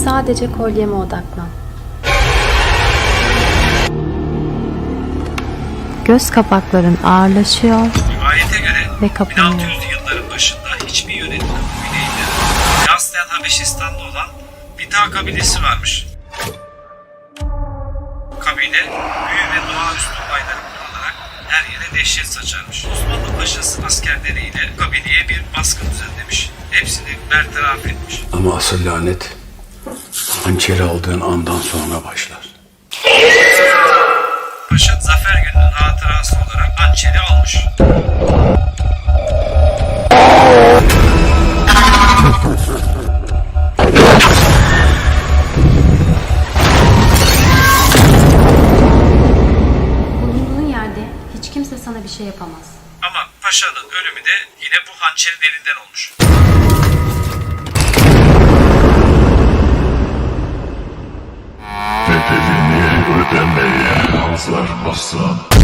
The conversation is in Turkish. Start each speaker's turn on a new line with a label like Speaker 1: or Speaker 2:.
Speaker 1: sadece kolyeme odaklan. Göz kapakların ağırlaşıyor
Speaker 2: Rivayete göre
Speaker 1: ve kapanıyor.
Speaker 2: 1600'lü yılların başında hiçbir yönetim kabileydi. Aslen Habeşistan'da olan Bita kabilesi varmış. Kabile büyü ve doğaüstü olayları kullanarak her yere dehşet saçarmış. Osmanlı Paşası askerleriyle kabileye bir baskın düzenlemiş. Hepsini bertaraf etmiş.
Speaker 3: Ama asıl lanet hançeri aldığın andan sonra başlar.
Speaker 2: Paşa zafer gününün hatırası olarak hançeri almış.
Speaker 1: Bulunduğun yerde hiç kimse sana bir şey yapamaz.
Speaker 2: Ama paşanın ölümü de yine bu hançerin elinden olmuş.
Speaker 4: Bedelini ödemeye hazır mısın?